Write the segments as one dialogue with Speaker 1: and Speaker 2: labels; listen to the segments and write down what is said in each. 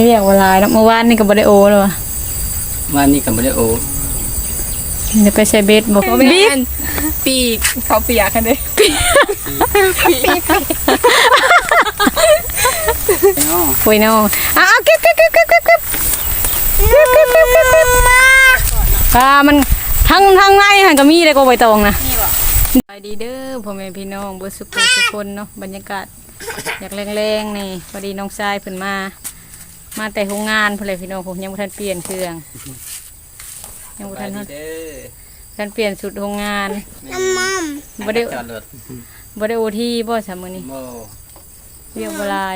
Speaker 1: เรียกว่าลายเนาะเมื่อวานนี่ก็บ่ได้โอเลยวะ
Speaker 2: วันนี้กับไม่ได้โอ
Speaker 1: เดี๋ยวไปใช้เบสบอก
Speaker 3: บีบปีกเขาเปียกกันเลยปีก
Speaker 1: คุยเนาะเก็บมันทั้งในหันก็มีเลยก็ใบตองนะไปดีเด้อพ่อแม่พี่น้องเบอร์สุขทุกคนเนาะบรรยากาศอยากแรงๆนี่พอดีน้องชายเพิ่นมาแต่โรงงานเพื่อนพี่น้องผมยังบ่ทันเปลี่ยนเครื่องยังบ่ทันเปลี่ยนสุดโรงงานบ่ได้โอทีบ่ซะมื้อนี้เรียกบ่หลาย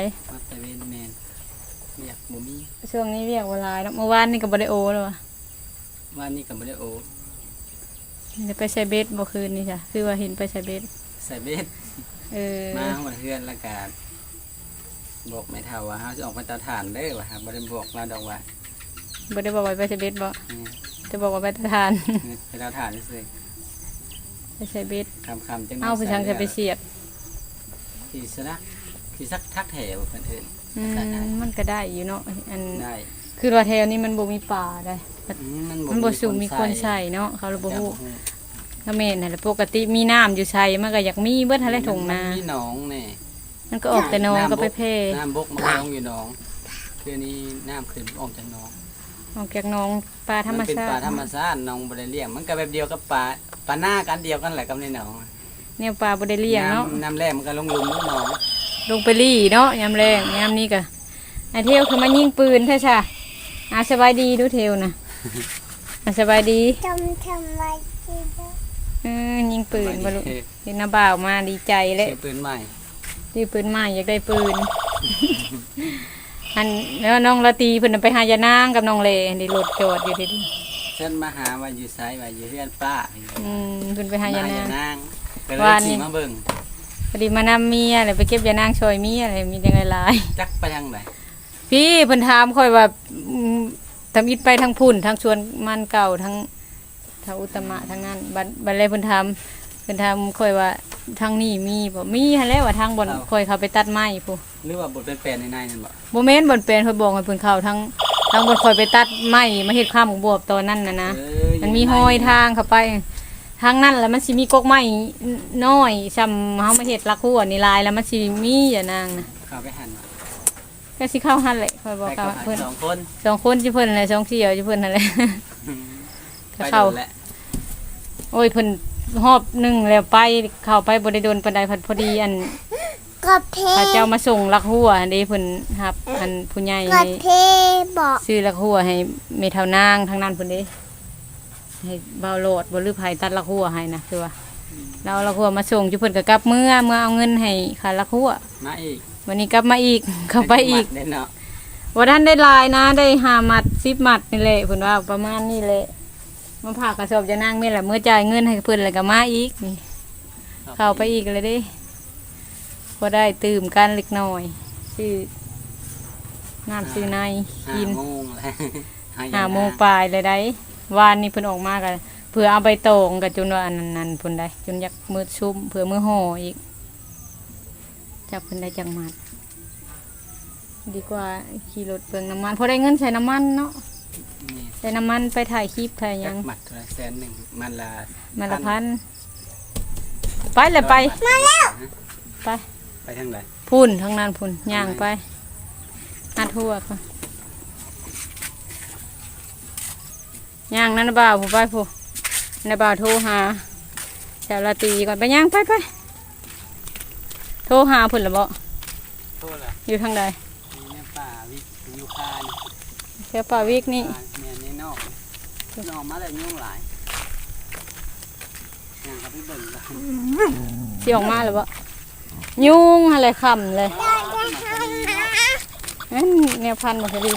Speaker 1: ช่วงนี้เรียกบ่หลายเนาะเมื่อวานนี่ก็บ่ได้โอแล้วว่ะ
Speaker 2: วันนี้กับไม่ได้โอ
Speaker 1: เดี๋ยวไปใช้เบสบ่คืนนี่จ้ะคือว่าเห็นไปใช้เบส
Speaker 2: ใส่เบสมาหมดเพื่อนละกันบอกไม่เท่าว่าเขาจะออกไปตาถ่านได้ว่ะบ่ได้บอกเราดอกว่า
Speaker 1: บ่ได้บอกว่าไปใช้เบสบ่จะบอกว่าไปตาถ่าน
Speaker 2: ไปตาถ่านซื่อ
Speaker 1: ไปใช้เบส
Speaker 2: คำจัง
Speaker 1: เอาไปช่างจะไปเสียบ
Speaker 2: ขี่สักทักแถวเพิ่นเอิ้น
Speaker 1: มันก็ได้อยู่เนาะอัน
Speaker 2: ได้
Speaker 1: คือว่าแถวนี้มันบ่มีป่าได้มันบ่สูงมีคนใส่เนาะเขาเลยบ่ฮู้ก็แม่นนั่นแหละปกติมีน้ำอยู่ใส่มันก็อยากมีเบิดหั่นแหละทุ่งนา
Speaker 2: มีหนองนี่
Speaker 1: มันก็ออกแต่น้องก็ไปแพ่
Speaker 2: น้ำบกมันลงอยู่หนองคือนี้น้ำขึ้นออกจากหนอง
Speaker 1: ออกจากน้องปลาธรรมชาติ
Speaker 2: เป็นปลาธรรมชาติน้องบ่ได้เลี้ยงมันก็แบบเดียวกับปลาหน้ากันเดียวกันแหละกับในหนอง
Speaker 1: เนี่ยปลาบ่ได้เลี้ยงเนาะ
Speaker 2: น้ำแรงมันก็ลงหลุมหนอง
Speaker 1: ลงไปลี่เนาะยามแรงยามนี้ก็ไอเทวคือมายิงปืนใช่จ้ะสบายดีดูเทวนะสบายดี
Speaker 3: ทำไม
Speaker 1: ยิงปืนบรรลุเห็นน้าบ่าวมาดีใจเลย
Speaker 2: ปืนใหม่
Speaker 1: อยากได้ปืนอันแล้วน้องละตีเพิ่นไปหายานางกับน้องเลในรถจอดอยู่ที่
Speaker 2: เช่นมาหาว่าอยู่ไซว่าอยู่เพื่อนป้า
Speaker 1: เพิ่นไปหายานาง
Speaker 2: วันนี้มาเบิ่ง
Speaker 1: พอดีมานำเมียอะไรไปเก็บยานางชอยเมียอะไรมีจังไงลาย
Speaker 2: จักไปทางไหน
Speaker 1: พี่เพิ่นถามค่อยว่าทำอิฐไปทางพุ่นทางชวนมันเก่าทางอุตมะทางนั้นบัดเลยเพิ่นทำค่อยว่าทางนี้มีบ่มีหั่นแหละว่าทางบ่อนค่อยเข้าไปตัดไม้ผู้
Speaker 2: หรือว่าบ่เป็นแปลนในนั่น
Speaker 1: บ่แม่นบ่เป็นค่อยบอกให้เพิ่นเข้าทางบ่อนค่อยไปตัดไม้มาเฮ็ดข้ามบวบตอนนั้นนะมันมีห้อยทางเข้าไปทางนั้นแล้วมันสิมีกกไม้น้อยซ้ำเฮามาเฮ็ดลักหัวนี่ลายแล้วมันสิมีอย่านางนะ
Speaker 2: เข้าไปหั่น
Speaker 1: ก็สิเข้าหั่นแหละค่อยบอกว่าเพิ่น2คนสิเพิ่นแหละ2เสี่ยวสิเพิ่นนั่นแหละเข้าโอ้ยเพิ่นหอบนึงแล้วไปเข้าไปบ่ได้โดนปานใดพอดีอันพระเจ้ามาส่งลักหัวเด้เพิ่นรับอันผู้ใหญ่ซื้อลักหัวให้เมเท่านางทางนั้นเพิ่นเด้ให้เบาโลดบ่ลือไผตัดลักหัวให้นะคือว่าเราลักหัวมาส่งอยู่เพิ่นก็กลับเมื่อเอาเงินให้ค่าลักหัว
Speaker 2: มาอีก
Speaker 1: วันนี้กลับมาอีกเข้าไปอีก
Speaker 2: เนาะ
Speaker 1: บ่ทันได้ลายนะได้5มัด10มัดนี่แหละเพิ่นว่าประมาณนี้แหละมาผ่ากระสอบจะนั่งแม่แหละเมื่อจ่ายเงินให้เพื่อนแล้วก็มาอีกนี่เข้าไปอีกเลยดิพอได้ตื่มกันเล็กน้อยชื่อน้ำซื้อในกิน5 โมงปลายเลยได้วานนี้เพิ่นออกมากันเพื่อเอาใบตองกับจนว่าอันนั้นเพิ่นได้จนอยากมือชุ่มเพื่อมือห่ออีกจับเพิ่นได้จังมัดดีกว่าขี่รถเปลืองน้ำมันพอได้เงินใส่น้ำมันเนาะใส่น้ำมันไปถ่ายคลิปถ่ายยัง
Speaker 2: มัดละ100,000มันละ
Speaker 1: 1,000ไปเลยไปมาแล้ว
Speaker 2: ไปทางไหน
Speaker 1: พุ่นทางนั้นพุ่นย่างไปทั่วก่อนย่างนั่นบ่าวผู้ไปผู้นบ่าวโทรหาแถวลาตีก่อนไปย่างไปโทรหาพุ่นละบ่อยู่ทางใด
Speaker 2: ป่าวิกอยู่คาน
Speaker 1: แค่ป่าวิกนี่
Speaker 2: นอกมาเลยยุ่งหลายอย่างครับพี่เบิ่ง
Speaker 1: ที่ออกมาหรือเปล่ายุ่งอะไรคำเลยเนี่ยพันหมดเลย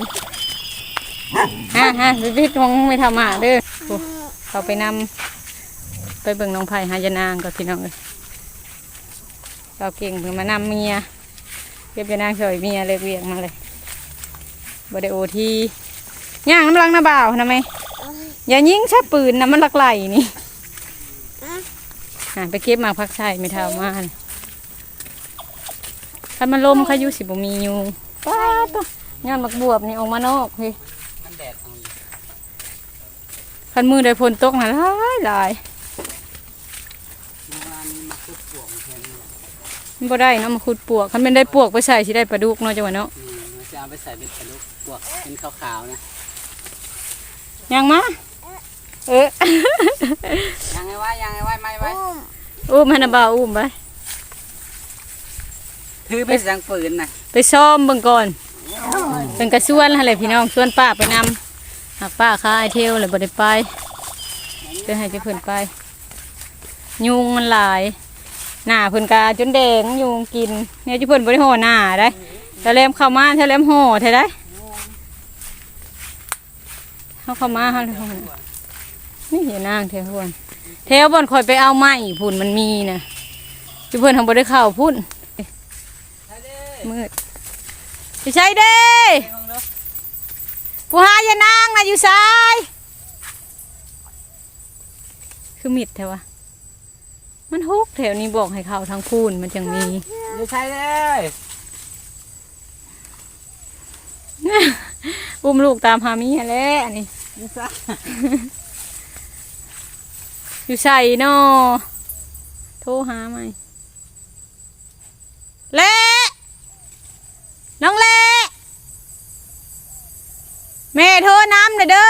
Speaker 1: พี่คงไม่ทำเด้อเขาไปนำไปเบิ่งน้องไผ่หายานางกับพี่น้องเลยเราเก่งเพิ่งมานำเมียเก็บยานางช่วยเมียเลยเวียงมาเลยบไดโอทีย่างน้ำลังน้าบ่าวนะไหมอย่ายิงชับปืนนะมันลักไหลนี่ไปเก็บมาพักใส่ไม่เท่ามาถ้ามันลมเขายุสิบมีอยู่ป้าตัวย้อนบักบวบนี่ออกมานอกเฮ้ย
Speaker 2: มันแดดเอาอยู่
Speaker 1: คันมือได้ฝนตกน่ะหลาย
Speaker 2: เมื่อวานนี้มาคุดปวกแทนนี่
Speaker 1: มันบ่ได้เนาะมาขุดปวกคันเป็นได้ปวกไปใส่สิได้ปลาดุกเนาะจังหวะเนาะ
Speaker 2: มันจะเอาไปใส่เป็นปลาดุกปวกเป็นขาวๆนะ
Speaker 1: ยังมาเออ
Speaker 2: ยังไงไว้ไม่ไว้
Speaker 1: อุ้มให้นะบ่าวอุ้มไป
Speaker 2: ถือไปสังปืนน่ะ
Speaker 1: ไปซ้อมเบิ่งก่อนเป็นกระส่วนอะไรพี่น้องส่วนป้าไปนำหากป้าค้าไอเทลเลยบ่ได้ไปเพื่อให้เจ้าเพิ่นไปยุงมันหลายหน้าเพิ่นกาจนแดงยุงกินเนี่ยเจ้าเพิ่นบ่ได้ห่อหน้าได้ถ้าแลมเข้ามาถ้าแลมห่อเท่าได้เข้ามาเฮาเลยห่อนี่อย่านางแถวพุ่นแถวบ่อนคอยไปเอาไม้พุ่นมันมีนะเจ้าเพิ่นทำบ่ได้เข้าพุ่นมืดไปใช้เด้ผู้หาอย่านางนะอยู่ซ้ายคือมิดแถวะมันฮุกแถวนี้บอกให้เข้าทางพูนมันจังมี
Speaker 2: อยู่ใช่เลย
Speaker 1: อุ้มลูกตามหามีแหละอันนี้
Speaker 2: อยู่ซะ
Speaker 1: อยู่ใส่นอโทรหาไหมเละน้องเละแม่โทรน้ำหน่อยเด้อ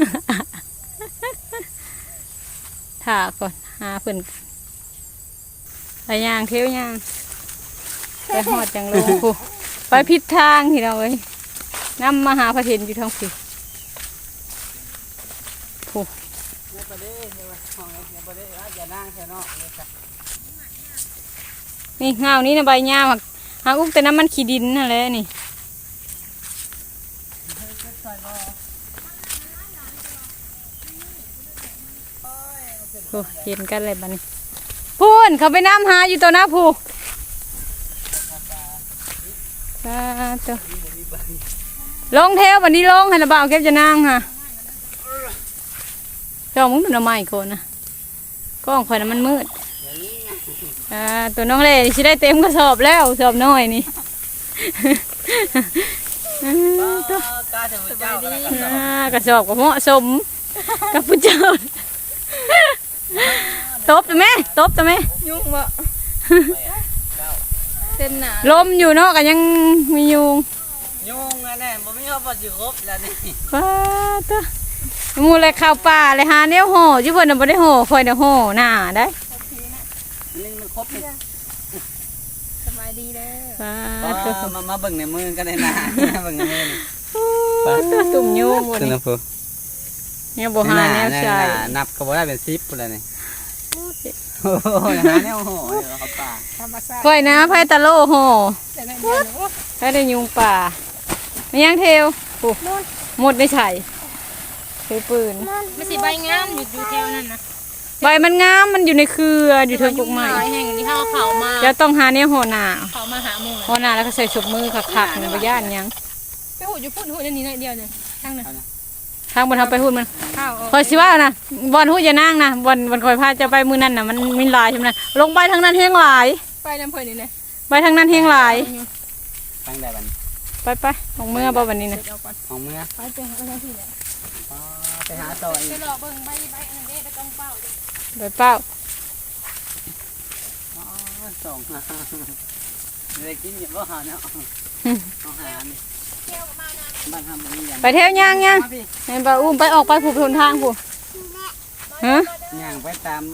Speaker 1: ถ่าก่อนหาเพิ่นไปย่างเที่ยวย่างไปหอดจังเลยผู้ไปผิดทางที่เราเอ้ยน้ำมาหาพระเทนอยู่ทางผิดผู้
Speaker 2: เนี่ยประเดี๋ยวเนี่ยห้องเนี่ยประเดี๋ยวอย่านั่งแค่นอกเลยจ้ะ
Speaker 1: นี่เงานี้นะใบหญ้าหาอุ้มแต่น้ำมันขี้ดินนั่นแหละนี่โอ้เห็นกันเลยบ้านี้พูนเขาไปน้ำหาอยู่ตัวหน้าผู้ตัวลงเทววันนี้ลงให้ระบาวเก็บจะนั่งค่ะเจ้ามึงดูน้ำไม้คนนะกล้องคอยน้ำมันมืดตัวน้องเล่สิได้เต็มกระสอบแล้วสอบน้อยนี่ ตัว
Speaker 2: กล้าจะเจ้าดี
Speaker 1: กระสอบก็เหมาะสมกับผู้เจ้าตบตัวแม่ตบตัวแม่
Speaker 3: ยุ่งบ่เส้นหนา
Speaker 1: ลมอยู่เนาะก็ยังมียุง
Speaker 2: ยุ่งแน่บ่มีเขาบ่สิครบแล้วนี่
Speaker 1: ป้าตัวมูเลยข้าวป่าเลยหาแนวห่อจุเพิ่นน่ะบ่ได้ห่อคอยน่ะห่อหน้าได้
Speaker 2: นี่มันครบนี่
Speaker 3: สบายดีเด้อ
Speaker 1: ป้าตัว
Speaker 2: มาเบิ่งในมือกันได้นะเบิ่งในมือนี่
Speaker 1: ป้าตัวตุ่มยุงบ่
Speaker 2: ตัว
Speaker 1: นี่
Speaker 2: น้ำผู้
Speaker 1: เนี่ยบ่หาแนวใส่
Speaker 2: นับก็บ่ได้เป็น10พุ่นแล้วนี่โอ้ยหาแนวโหเดี๋ยวเขาป่า
Speaker 3: ธรรมชาติ
Speaker 1: ค่อยนะไผตะโลห่อ
Speaker 3: แต่ในเดือนโอ้
Speaker 1: ไผได้ยุงป่าไม่ยังเทวโอ้หมดได้ใส่ถือปืน
Speaker 3: ไม่สิใบงามอยู่แถวนั้นนะ
Speaker 1: ใบมันงามมันอยู่ในเครืออยู่เทิงกกไม้
Speaker 3: แห่งที่เขาเขามา
Speaker 1: จะต้องหาเนี่ยห่อหน้า
Speaker 3: เขามาหาหมู่
Speaker 1: ห่อหน้าแล้วก็ใส่ฉบมือขักๆในใบย่านหยัง
Speaker 3: ไปหูอยู่พุ่นหูอันนี้หน่อยเดียวเนี่ยทั้งนั้น
Speaker 1: ทางบนทำไปหุ่นมัน
Speaker 3: ข้าว
Speaker 1: คอยสิว่านะบอลหุ่นอย่านั่งนะบอลคอยพาจะไปมือนั่นน่ะมันมีหลายใช่ไหมนะลงไปทางนั้นเฮงหลาย
Speaker 3: ไปน้ำเพลินนี่เลย
Speaker 1: ไปทางนั้นเฮงหลาย
Speaker 2: ตั้งได้บัด
Speaker 1: ไปของเมื่อบ่วันนี้นะ
Speaker 3: เอาก่อน
Speaker 2: ของเมื่อ
Speaker 3: ไปเจอหาอะไรที่เนี่ย
Speaker 2: ไปหาต่ออี
Speaker 3: ไป
Speaker 2: ก
Speaker 3: หลอกเบิ่งใบอันนั้นเด้ไปต้องเป้า
Speaker 1: ไปเป้า
Speaker 2: ส่งเลยกินอย่าบ่หาเนาะเอาหานี่บ้านทำมันยัง
Speaker 1: ไปเที่ยวย่างย่างให้บ่าวอุ้มไปออกไปผูกทนทางผูฮะ
Speaker 2: ย่างไปตาม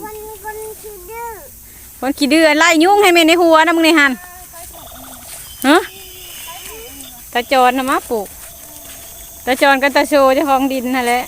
Speaker 1: คนขี้เดือไล่ยุ่งให้แม่ในหัวนะมึงในหันฮะตาจรนะมาปลูกตาจรกับตาโชเจ้าของดินนั่นแหละ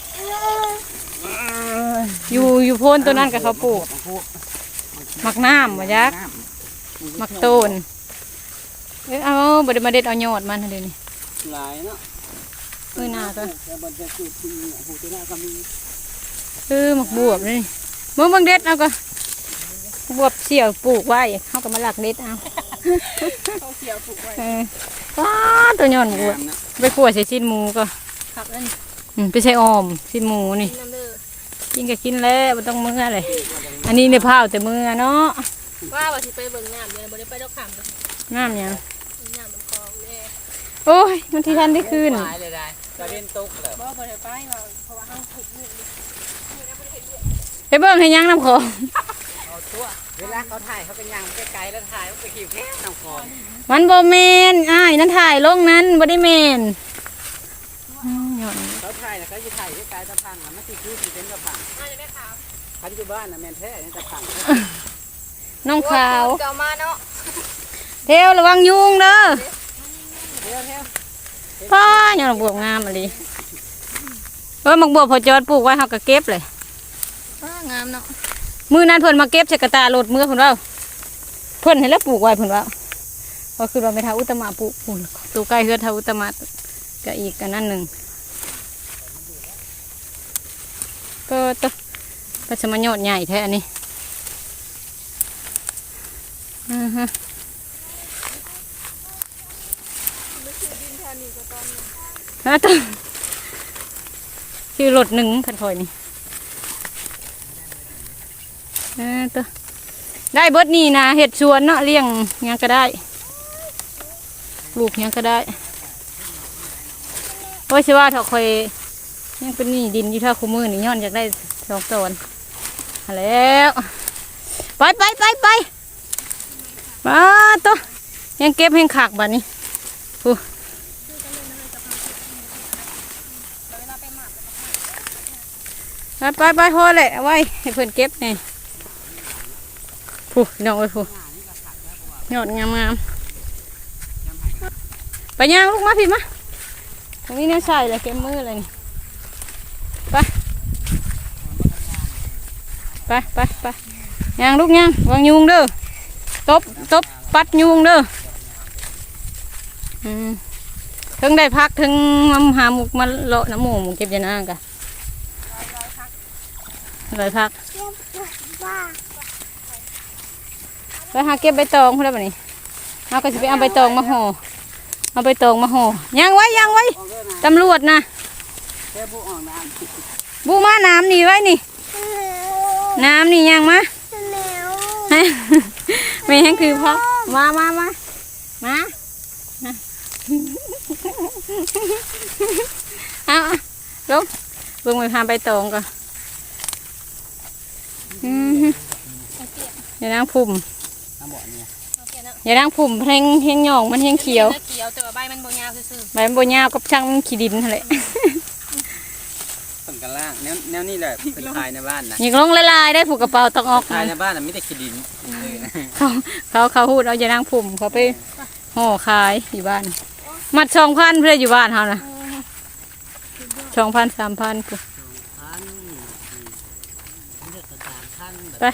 Speaker 1: อยู่โพ้นตัวนั้นกับเขาปลูกหมักน้ำมายักหมักต้นเอาบไดมาเด็ดเอายอดมันเดี๋ยวนี้
Speaker 2: หลายเนาะ
Speaker 1: หน้าตัว
Speaker 2: แต่บนจะคือที่หูตัวหน้าก็มี
Speaker 1: หมักบวบนี่เมื่อบางเด็ดเอาก็บวบเสี่ยวปลูกไว้เขาก็มาหลักเด็ดเอา
Speaker 3: เขาเขียวผูกไว้
Speaker 1: ว้าตัวยอนบวบไปขั่วใส่ชิ้นหมูก็
Speaker 3: ขับนั่น
Speaker 1: ไปใส่ออมชิ้นหมูนี่
Speaker 3: น้ำเด้อ
Speaker 1: กินก็กินแล้วไม่ต้องมื้อเลยอันนี้ในผ้าแต่มื้อเนาะ
Speaker 3: ว่าว่าสิไปเบิ่งน้ำเดี๋ยวบ่ได้ไปดอกขำเลย
Speaker 1: น้ำหยัง
Speaker 3: น้ำมันคลองแน่
Speaker 1: โอ้ยมันที่ท่านได้คืน
Speaker 2: หลายเลยได้ตะเวนตกเลย
Speaker 3: บ่ได้ไปว่าเพราะว่าเฮาถูกนี่
Speaker 1: ไปเบิ่งให้ยังน้ำของ
Speaker 2: เอาตัวเวลาเขาถ่ายเขาเป็นยังไกลๆแล้วถ่ายเขาไปขี่แค่น้ำคลอง
Speaker 1: มันบ่แม่นอ้ายนั่นถ่ายลงนั้นบ่ได้แม่นย้อน
Speaker 2: เขาถ่ายนะเขาจะถ่ายไกลๆตะพังมันติดคือสิเป็นตะพัง
Speaker 3: มาจะได้ข่าว
Speaker 2: คันอยู่บ้านน่ะแม่นแท้นี่ตะพัง
Speaker 1: น้องขาว
Speaker 3: เก่ามาเนาะ
Speaker 1: เทวระวังยุงเด้อ
Speaker 2: เที่ยวเที่ยว
Speaker 1: พ่อยังบวบงามอะไรมักบวบพอจอดปลูกไว้เฮาก็เก็บเลย
Speaker 3: งามเนาะ
Speaker 1: มื้อนั้นเพิ่นมาเก็บใส่กระตารถมื้อเพิ่นว่าเพิ่นให้แล้วปลูกไว้เพิ่นว่าก็คือว่าไม่ทาอุตมะปลูกปุ่นตูใกล้เฮือนทาอุตมะก็อีกอันนั้นหนึงก็ตะก็จะมายอดใหญ่แท้อันนี้ฮะตัวชื่อรถหนึ่งคันคอยนี่ตัวได้เบิดนี่นะเห็ดสวนเนาะเลี้ยงหยังก็ได้ปลูกหยังก็ได้เพราะว่าถ้าคอยยังเป็นนี่ดินอยู่ท่าคู่มือนี่ย้อนอยากได้สองต้นแล้วไปมาตัวยังเก็บแห้งขากบัดนี้ไปพอเลยเอาไว้ให้เพื่อนเก็บนี่ผู้น้องเอ้ยผู้ยอดงามไปย่างลูกมาพี่มาตรงนี้เนี่ยใส่เลยเก็บมือเลยนี่ไปย่างลูกย่างวางยุงเด้อตบปัดยุงเด้อถึงได้พักถึงมาหาหมุกมาเลาะน้ำหมูเก็บยานากันเลยพักไปหาเก็บใบตองเพื่อนแบบนี้เราก็จะไปเอาใบตองมาห่อเอาใบตองมาห่อย่างไว้ตำรวจนะ
Speaker 2: แค่ผู้อ่อนน้
Speaker 1: บูมาน้ำนี่ไว้นี่น้ำนี่ย่างมาไม่แห้งคือพ่อมาเอาลูกเบิ่งไปพาใบตองก่อนอย่านั่งพุ่ม
Speaker 2: ำน้ำบ่อเนี่ย
Speaker 1: อย่านั่งพุ่มเพลงเฮงหยองมันเฮงเขียว
Speaker 3: เขียวแต่ว่าใบมันบ่ยาวซื่อ
Speaker 1: ใบมันโบยาวกับช่างมันขี้ดินนั่นแหละ
Speaker 2: ต้นกันล่างแนวนี่แหละเป็นขายในบ้านนะ
Speaker 1: หยิกลงละลายได้ผูกกระเป๋าต้องออก
Speaker 2: ขายในบ้านน่ะไม่ได้ขี้ดิน
Speaker 1: เขาพูดเอาอย่านั่งพุ่มเขาไปห่อขายอยู่บ้านมัด2,000เพื่ออยู่บ้านเขานะ2,000 3,000กูไป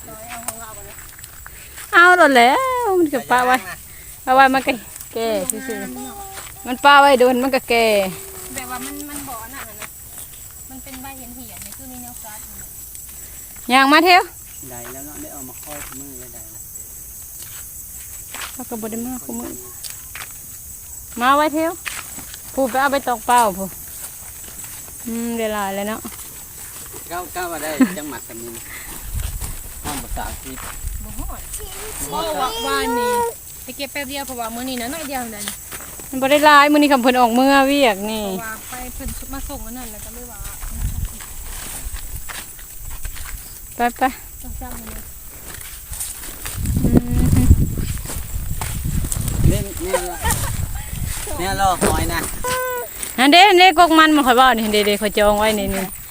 Speaker 1: เอาหมดแล้วมันก็ป้าไว้เอาไว้มันก็แก่ซื่อๆมันป้าไว้โดนมันก็แก่
Speaker 3: ๆแบบว่ามันบ่อน่ะนะมันเป็นใบเหี่ยนๆนี่คือมีแนวกัด
Speaker 1: ย่างมาเที่ยว
Speaker 2: ได้แล้วเนาะได้เอามาค่อยมือได้แล้ว
Speaker 1: เขาก็บ่ได้มาคุมือมาไว้เที่ยวผู้ไปเอาไปตอกเป้าผู้เวลาเลยเนาะ
Speaker 2: ก้าวมาได้จังหวัดกันนี่ห้องภาษาอังกฤษ
Speaker 3: บ่ฮอดบ่ว่านี่ไปเก็บแป๊บเดียวเพราะว่ามื้อนี้นะน้อยเดียวนั่น
Speaker 1: มันบ่ได้หลายมื้อนี้คำเพิ่นออกเมื่อเวียกนี่
Speaker 3: เพราะว่าไปเพิ่นมาส่งอันนั้นแล้วก็เลยว่า
Speaker 1: ไป
Speaker 3: ต้องจำเลย
Speaker 2: เนี่ยรอหอยนะ
Speaker 1: นั่นเด้กกมันข่อยว่านี่เด้ข่อยจองไว้นี่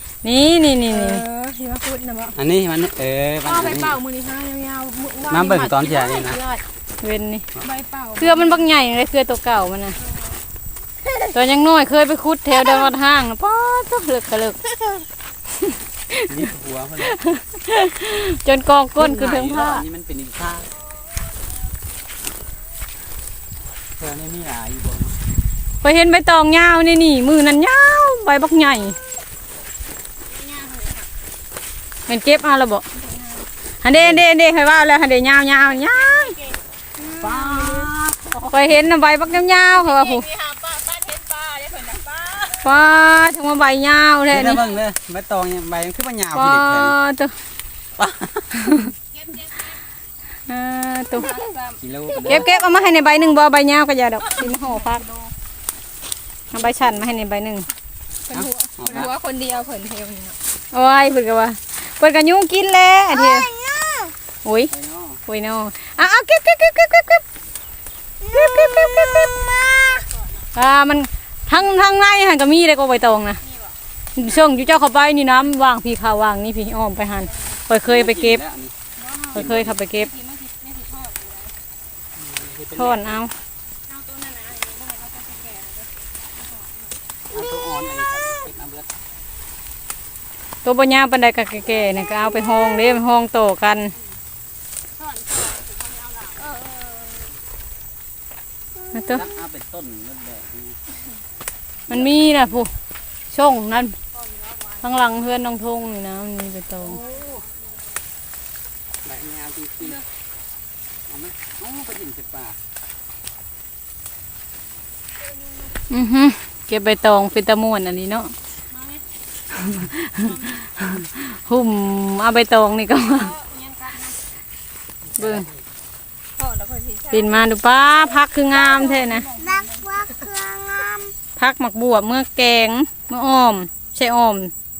Speaker 3: ที่ว่าพูดนะบ่
Speaker 2: อันนี้มันมัน
Speaker 3: เอาไปเป่ามื้อนี้ฮะยาวๆ
Speaker 2: น้ำเบิ่งตอนเที่ยงนี่นะ
Speaker 1: เว้นนี่
Speaker 3: ใบเป่า
Speaker 1: เครือมันบักใหญ่เลยเครือตัวเก่ามันน่ะตอนยังน้อยเคยไปขุดแถวดอนห้างป๊อดเลิกก็เลิก
Speaker 2: นี่หัวมัน
Speaker 1: จนกองก้นคือเทิงผ้า
Speaker 2: นี่มันเป็นอีกผ้าเธอนี่มีหลายอยู่บ่
Speaker 1: ไปเห็นใบตองยาวนี่มือนั้นยาวใบบักใหญ่เป็นเก็บเอาละบ่ฮันเด้ให้ว่าแล้วฮันเด้ยาว
Speaker 2: ป้า
Speaker 1: ไปเห็นใบบักยาวเขาว่าผู้
Speaker 3: นี่หาป้าเห็นป้าได้เพิ่นน่ะป้า
Speaker 1: ป้าทั้งว่าใบยาวแท้
Speaker 2: นี่
Speaker 1: นี่
Speaker 2: เบิ่งเลยใบตองใบมันคือมันยาว
Speaker 1: ป้า
Speaker 2: พี่เด็กเลย
Speaker 1: ตัว
Speaker 2: ป้า
Speaker 1: ตัว
Speaker 2: กิโล
Speaker 1: เก็บเอามาให้ในใบหนึ่งบ่ใบยาวก็อย่าดอกสิมาห่อพักเอาใบชันมาให้ในใบหนึ่ง
Speaker 3: เพิ่นหัวคนเดียวเพิ่นเทวนี่เนาะ
Speaker 1: โอ้ยเพิ่นก็ว่าเพิ่นก็ยุ่งกินแล้วอันเดียวโอ้ย
Speaker 2: ไปเนาะ
Speaker 1: โอ้ยเนาะเอาเก็บมันทั้งในหันก็มีเลยก็ใบตองนะส่งอยู่เจ้าเข้าไปนี่น้ำวางพี่ข้าววางนี่พี่อ้อมไปหันเคยไปเก็บเคยขับไปเก็บทอนเอา
Speaker 3: เอาตัวนั้นนะบ่ให้เราจะแก่
Speaker 2: เอาตัวอ่อนอันนี้ครับเก็บเอาเบิด
Speaker 1: ตัวปัญญาปันไดกับแก่ๆเนี่ยก็เอาไปห้องเด้ห้องโตกันมาตัว
Speaker 2: รับเอาเป็นต้นนั่นแหละ
Speaker 1: มันมีนะผู้ช่องนั่นข้างหลังเพื่อนน้องทงนี่นะมันมีไปตอง
Speaker 2: ใบงามจริงๆเอาไหมไปหินเสป่า
Speaker 1: เก็บใบตองเป็นตะม่วนอันนี้เนาะหุ่มเอาใบตองนี่ก็มาเบิ่ง
Speaker 3: พ่อแล้วก็สิ
Speaker 1: ปิ่นมาดูป้าพักคืองามแท้นะ
Speaker 4: รักว่าเครื่องงาม
Speaker 1: พักหมักบวบเมื่อแกงเมื่ออ้อมใช่อ้อม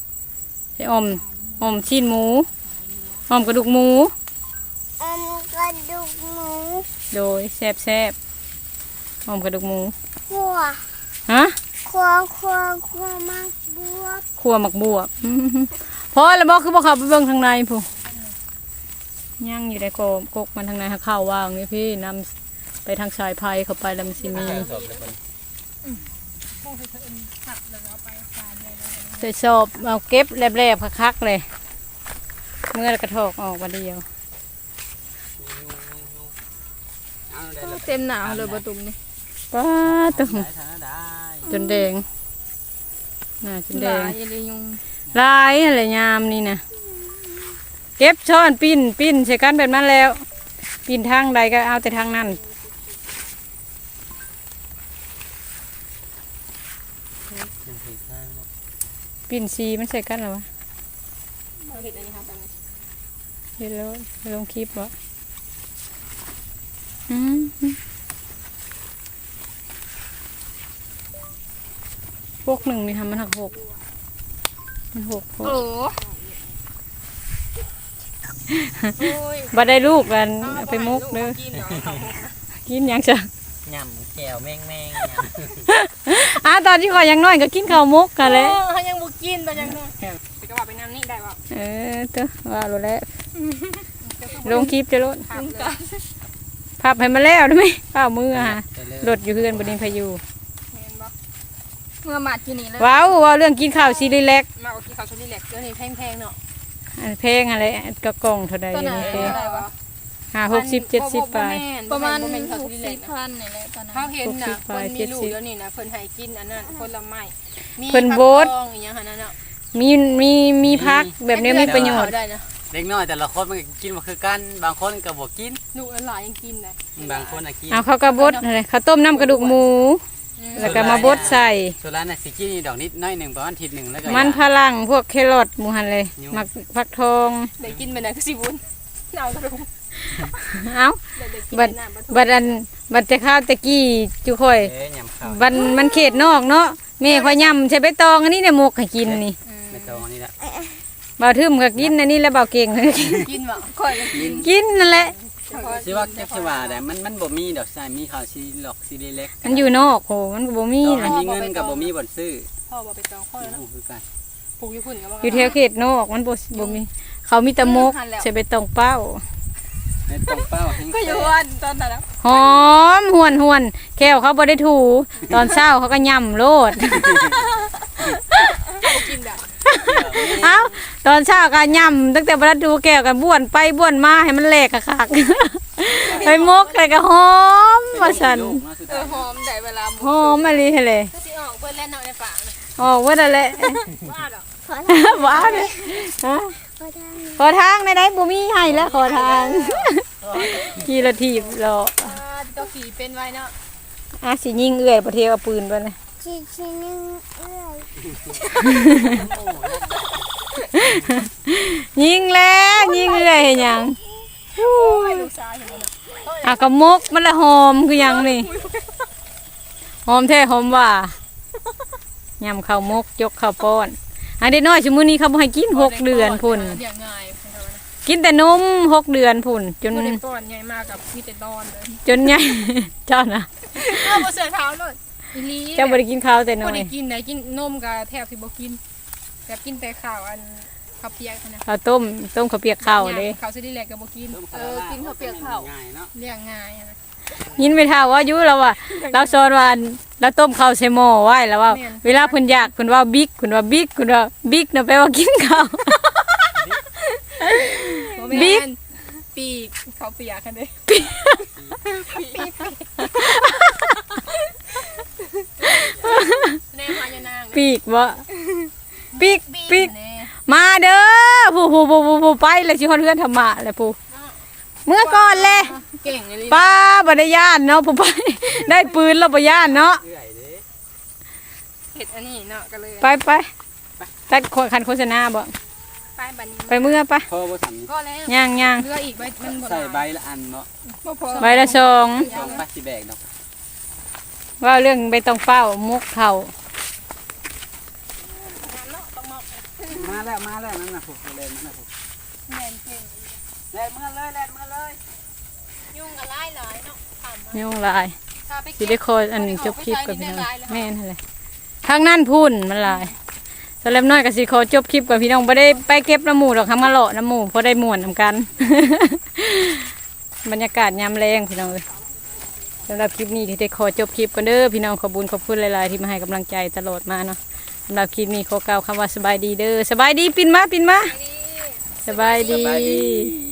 Speaker 1: ชิ้นหมูอ้อมกระดูกหมู
Speaker 4: กระดูกหมู
Speaker 1: โดยแซ่บอ้อมกระดูกหมู
Speaker 4: ขัว
Speaker 1: ฮะ
Speaker 4: ขัวมากบวบ
Speaker 1: ขัวหมักบวบพอแล้วบอกคือบอกเขาไปเบิ่งทางในผู้ย่างอยู่ในกกมันทางในข้าวว่างนี่พี่นำไปทางสายไฟเข้าไปแล้วมันสิมีใส่สอบเอาเก็บแลบๆคักๆเลยเมื่อกระทอกออกมาเดียว
Speaker 3: เต็มหนาวเลยบ่ตุ่มนี่
Speaker 1: ป้าตึง
Speaker 2: ได้ทานได้
Speaker 1: จนแดงน่าจนแดง
Speaker 3: อย่าได้ยุง
Speaker 1: ลายอะไรยามนี่นะเก็บช้อนปิ้นใส่กันแบบนั้นแล้วปิ้นทางใดก็เอาแต่ทางนั้นปิ้นซีมันใส่กันหรอวะ
Speaker 3: เราเฮ็ดอันนี้ครับอันนี้
Speaker 1: เห็นแล้วลงคลิปวะพวกหนึ่งนี่ทำมันหกมันหก
Speaker 3: โอ้ย
Speaker 1: บัดได้ลูกกันเอาไปมุกเด้อ
Speaker 3: กินเนาะ
Speaker 1: กินหยังจ้ะ
Speaker 2: ยำแก้วแมง
Speaker 1: ตอนที่ขอยยังน้อยก็กินข้าวมุกกันเลย
Speaker 3: เขายังบ่กินแต่ยังน้อยไปก็ว่าไปน้ำนี่ได้บ่
Speaker 1: เต้อว่ารู้แล้วลงคลิปจะลด
Speaker 3: ครับเลย
Speaker 1: พับให้มาแล้วได้ไหมเปล่ามือฮะรถอยู่เพื่อนบดินพายุ
Speaker 3: แม่นบ่เมื่อมาที่นี่เลย
Speaker 1: ว้าวเรื่องกินข้าวซีรีส์เล็ก
Speaker 3: มาเอากินข้าวชนิดแหลกเดี๋ยวนี้แพงๆเนาะ
Speaker 1: อันเพลงอะไรกระกล่องเท่าใด
Speaker 3: ตัวไหน
Speaker 1: นี่เพลง
Speaker 3: อะไรวะ
Speaker 1: 50-70ไป
Speaker 3: ประมาณ
Speaker 4: 60,000
Speaker 3: 60,000
Speaker 4: นี่แหละตอนนั้น
Speaker 3: เขาเห็นนะ
Speaker 1: 60
Speaker 3: คนมีลูก
Speaker 1: 70
Speaker 3: เดี๋ยวนี้นะเพิ่นให้กินอันนั้นผลไม้มี
Speaker 1: เพิ่นโบส
Speaker 3: ผักทองอีหยังหั่นน่ะเนาะ
Speaker 1: มีพักแบบนี้มีประโยชน์
Speaker 3: ได้นะ
Speaker 2: เล็กน้อยแต่ละคนมันก็กินมาคือกันบางคนก็บ่กิน
Speaker 3: ลูกหลานยังกินเลย
Speaker 2: บางคนน่ะกิน
Speaker 1: เอาข้าวกระบดอะไรข้าวต้มน้ำกระดูกหมู แล้วก็มาบดใส่
Speaker 2: ส่วนร้านน่ะสิกินนี่ดอกนิดน้อยหนึ่งประมาณอาทิตย์หนึ่งแล้วก็
Speaker 1: มันพลังพวกแครอทหมูหันเลยมักฟักทอง
Speaker 3: ได้กินไปไหนก็สิบุญเอากระดูก
Speaker 1: เอ้า
Speaker 3: ได้กิน
Speaker 1: บัด
Speaker 3: ไปน้ำ
Speaker 1: บัดแต่ข้าวตะกี้จุค่อย
Speaker 2: ยำข้าว
Speaker 1: บันมันเขตนอกเนาะแม่ข่อยยำใช้ใบตองอันนี้เนี่ยหมกให้กินนี่
Speaker 2: ไม่ต้องอันนี้ละ
Speaker 1: บ่าวทึมก็กินอันนี้แล้วบ่าวเก่งก็กิน
Speaker 3: กินบ่ค่อยก็กิน
Speaker 1: กินนั่นแหละ
Speaker 2: สิว่าแค่สิว่าแต่มันบ่มีดอกใช่มีข้าวซีหลอกซีเล็ก
Speaker 1: มันอยู่นอกโหมันก็บ่มี
Speaker 2: ต่อ
Speaker 1: นะ
Speaker 2: ให้มีเงินกับบ่มีบ่อนซื้อ
Speaker 3: พ่อบ่ไปตองข้อแล้ว
Speaker 2: โอ้
Speaker 3: เนาะ
Speaker 2: คือกัน
Speaker 3: ปลูกอยู่พุ่นก็บ่
Speaker 1: อยู่แถวเขตนอกมันบ่มีเขามีแต่หมกใช้ใบตองเป้า
Speaker 2: ในตรงเป้าแห้ง
Speaker 3: ก็อยู่วันตอนนั้นนะ
Speaker 1: หอมหวนแก้วเขาบ่ได้ถูตอนเช้าเขาก็ย่ำโลด
Speaker 3: กินแบบ
Speaker 1: เอ้าตอนเช้าก็ย่ำตั้งแต่บ่ได้ดูแก้วกันบ้วนไปบ้วนมาให้มันแหลกคักๆ ไปมกเลยก็หอมว่าซั่น
Speaker 3: หอมได้เวลา
Speaker 1: หอมมะลิเลย
Speaker 3: ก็สิออกเพิ่นเล่นเอาในป่านะ
Speaker 1: ออกว่านั่นแหละ
Speaker 3: ว่าดอก
Speaker 1: ว้าวเลยฮะขอทางในได้บ่มีให้แล้วขอทางขี่รถถีบรอ
Speaker 3: เจ้าขี่เป็นไว้เนาะ
Speaker 1: สิยิงเอื้อยบ่เทเอาปืนไปเลย
Speaker 4: ชิ้นนึงเอ้ย
Speaker 1: ยิงแล้วยิงเอื้อยเฮ็ดหยัง
Speaker 3: ลูกชายเห็นบ่เนาะ
Speaker 1: กระมกมันละหอมคือหยังนี่หอมแท้หอมว่ายำข้าวมกยกข้าวป้อนอันเด็กน้อยชั่วโมงนี้เขาบ่ให้กิน6 เดือนพุ่น
Speaker 3: เลี้ยงง่ายเพิ่นว่า
Speaker 1: กินแต่นม6 เดือนพุ่นจน
Speaker 3: บ่ได้ป้อนใหญ่มากกับมีแต่นอนเลย
Speaker 1: จนใหญ่ เจ้านะ
Speaker 3: เอาบ่เสือเท้าเลยอีหลี
Speaker 1: เจ้าบ่ได้กินข้าวแต่น้
Speaker 3: บ่
Speaker 1: อย
Speaker 3: ได้กินได้กินนมก็แทบสิบ่กินแบบกินแต่ข้าวอันข้าวเปียกนะ
Speaker 1: ข้าวต้มข้าวเปียกข้าวเด้
Speaker 3: ข้าวสิได้แลกก็บ่กิน
Speaker 2: กินข้าวเปียกข้าวง่ายเนาะ
Speaker 3: เลี้ยงง่ายอะนะ
Speaker 1: ยินไปท่าว่าอยู่แล้วว่าเราสอนว่าเราต้มข้าวใส่หม้อไว้แล้วว่า เวลาเพิ่นอยากเพิ่นว่าบิ๊กเพิ่นว่าบิ๊กเพิ่นว่าบิ๊กน่ะแปลว่ากินข้าว
Speaker 3: บ่แม่น
Speaker 1: บิ๊ก
Speaker 3: ปีกข้าวเปียกกันเด้แน่พญานาง
Speaker 1: ปีกบ่ปีก
Speaker 3: แน่
Speaker 1: มาเด้อผู้ไปเลยสิฮอดเฮือนธรรมะแหละผู้เมื่อก่อนเลย
Speaker 3: เก่งเลย
Speaker 1: ป้าบ่ได้ย่านเนาะผู้ไป ได้ปืนแล้วบ่ย่านเนาะ
Speaker 2: เอื่อยเด้
Speaker 3: เห็ดอันนี้เนาะก็เลย
Speaker 1: ไปตัดคันโฆษณาบ่
Speaker 3: ไปบัดนี้
Speaker 1: ไปเมื่อไป
Speaker 2: พอบ่สั่น
Speaker 3: ก็แล้ว
Speaker 1: ย่าง
Speaker 3: เรืออีกใบมันบ่
Speaker 2: ใส่ใบ
Speaker 3: หลาย
Speaker 2: ละอันเนาะ
Speaker 3: บ่พอ
Speaker 1: ใบละสอง
Speaker 2: สองปักสิแบกเนาะ
Speaker 1: ว่าเรื่องใบตองเฝ้ามุกเขา
Speaker 2: มาแล้วนั่นน่ะพวกเล่นนั่นน่ะพวก
Speaker 3: แม่นเก่ง
Speaker 2: แล่นมาเลย
Speaker 3: ยุ่งกับหลายเนาะถามมา
Speaker 1: ยุ่งหลาย
Speaker 3: ถ้าไป
Speaker 1: สิ
Speaker 3: เก็บ
Speaker 1: ได้คอยอันจบคลิปกับพี่น้องแม่นหั่นแหละทางนั้นพุ่นมันหลายสำหรับน้อยก็สิขอจบคลิปกับพี่น้องบ่ได้ไปเก็บน้ำหมูดอกค่ะมาเลาะน้ำหมูเพราะได้ม่วนนำกัน บรรยากาศยามแรงพี่น้องเอ้ยสำหรับคลิปนี้ที่ได้ขอจบคลิปกันเด้อพี่น้องขอบคุญขอบคุณหลายๆที่มาให้กำลังใจตลอดมาเนาะสำหรับคลิปนี้ขอกล่าวคำว่าสบายดีเด้อสบายดีปินมาสบาย
Speaker 2: สบาย
Speaker 1: ดี
Speaker 2: ดี